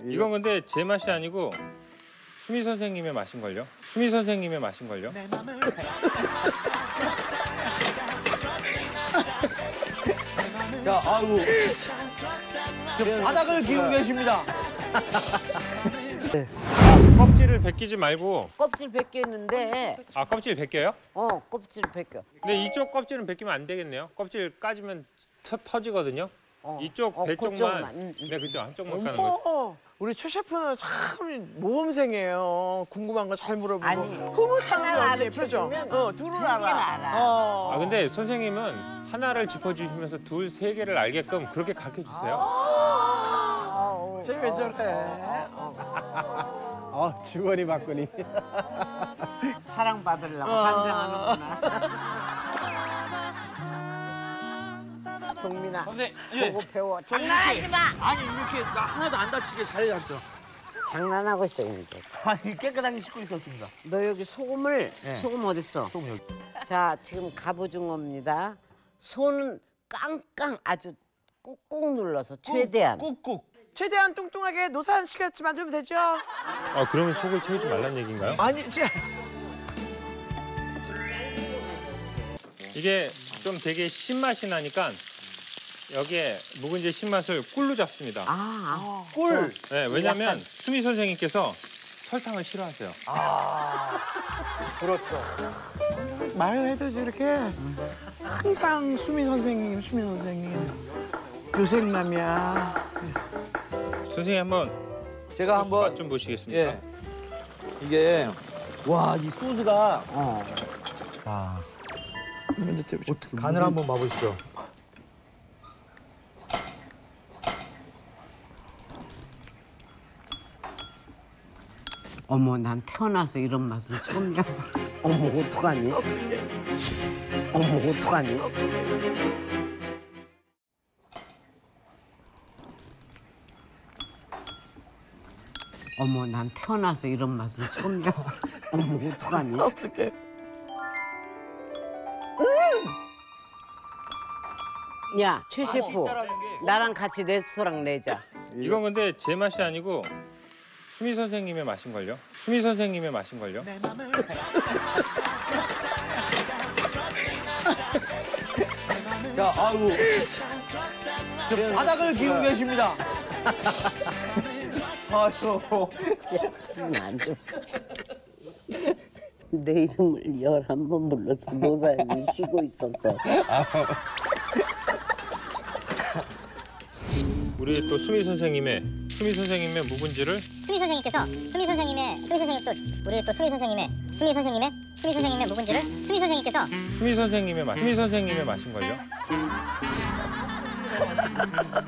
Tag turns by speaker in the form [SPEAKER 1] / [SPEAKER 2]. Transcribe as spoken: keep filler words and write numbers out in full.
[SPEAKER 1] 이건 근데 제 맛이 아니고 수미 선생님의 맛인걸요? 수미 선생님의 맛인걸요?
[SPEAKER 2] 자, 아이고. 지금 바닥을 기우고 계십니다.
[SPEAKER 1] 네. 껍질을 벗기지 말고.
[SPEAKER 3] 껍질 벗겼는데.
[SPEAKER 1] 아, 껍질 벗겨요?
[SPEAKER 3] 어, 껍질 벗겨.
[SPEAKER 1] 근데 이쪽 껍질은 벗기면 안 되겠네요. 껍질 까지면 터, 터지거든요.
[SPEAKER 3] 어.
[SPEAKER 1] 이쪽
[SPEAKER 3] 어,
[SPEAKER 1] 배
[SPEAKER 3] 그쪽만.
[SPEAKER 1] 쪽만.
[SPEAKER 3] 음, 음.
[SPEAKER 1] 네, 그죠. 한쪽만 까는 거죠.
[SPEAKER 4] 어머, 우리 최 셰프는 참 모범생이에요. 궁금한 거 잘 물어보고.
[SPEAKER 3] 아니,
[SPEAKER 4] 흐뭇하는
[SPEAKER 3] 하나를
[SPEAKER 4] 언니의 표정.
[SPEAKER 3] 알려주면
[SPEAKER 4] 어, 둘을
[SPEAKER 3] 두 개를
[SPEAKER 4] 알아.
[SPEAKER 3] 알아.
[SPEAKER 4] 어.
[SPEAKER 1] 아, 근데 선생님은 하나를 짚어주시면서 둘, 세 개를 알게끔 그렇게 가르쳐주세요.
[SPEAKER 3] 어,
[SPEAKER 4] 쟤 왜 저래?
[SPEAKER 5] 아, 주거니 받거니.
[SPEAKER 3] 사랑받으려고
[SPEAKER 4] 어.
[SPEAKER 3] 환장하는구나. 동민아,
[SPEAKER 2] 근데 예.
[SPEAKER 3] 보고 배워. 장난하지 마!
[SPEAKER 2] 아니 이렇게 나 하나도 안 다치게 잘해놨어.
[SPEAKER 3] 장난하고 있어, 이제.
[SPEAKER 2] 아니 깨끗하게 씻고 있었습니다.
[SPEAKER 3] 너 여기 소금을,
[SPEAKER 2] 네.
[SPEAKER 3] 소금 어딨어?
[SPEAKER 2] 소금 여기.
[SPEAKER 3] 자, 지금 갑오징어입니다. 손은 깡깡 아주 꾹꾹 눌러서 최대한.
[SPEAKER 2] 꾹꾹.
[SPEAKER 4] 최대한 뚱뚱하게 노사연 씨 같이 만들면 되죠?
[SPEAKER 1] 아, 그러면 속을 채우지 말란 얘기인가요?
[SPEAKER 4] 아니, 쟤.
[SPEAKER 1] 이게 좀 되게 신맛이 나니까 여기에 묵은지 신맛을 꿀로 잡습니다.
[SPEAKER 3] 아, 아.
[SPEAKER 2] 꿀.
[SPEAKER 1] 네, 왜냐면 수미 선생님께서 설탕을 싫어하세요.
[SPEAKER 2] 아, 그렇죠.
[SPEAKER 4] 말을 해도 저렇게 항상 수미 선생님, 수미 선생님. 요생남이야.
[SPEAKER 1] 선생님 한번
[SPEAKER 2] 제가 한번
[SPEAKER 1] 맛 좀 보시겠습니까?
[SPEAKER 2] 예. 이게 와, 이 소스가
[SPEAKER 3] 어.
[SPEAKER 2] 아,
[SPEAKER 4] 어떻게
[SPEAKER 2] 간을 한번 봐보시죠.
[SPEAKER 3] 어머, 난 태어나서 이런 맛은 처음이야. 어머, 어떡하니? 어머, 어떡하니? 어머, 난 태어나서 이런 맛은 처음이야. 어머, 어떡하니?
[SPEAKER 4] 어떻게?
[SPEAKER 3] 야, 최 셰프,
[SPEAKER 2] 있다라는 게.
[SPEAKER 3] 나랑 같이 레스토랑 내자.
[SPEAKER 1] 이건 근데 제 맛이 아니고 수미 선생님의 맛인걸요? 수미 선생님의 맛인걸요?
[SPEAKER 2] 자, 아이고. 지금 바닥을 기우고 계십니다. 아이고.
[SPEAKER 3] 안 좀. 내 이름을 열한 번 불러서 노사연이 쉬고 있었어.
[SPEAKER 1] 우리 또 수미 선생님의 수미 선생님의 묵은지를
[SPEAKER 6] 수미 선생님께서 수미 선생님의 수미 선생님 또 우리 또 수미 선생님의 수미 선생님의 수미 선생님의 묵은지를 수미 선생님께서
[SPEAKER 1] 수미 선생님의 맛 수미 선생님의 맛인걸요?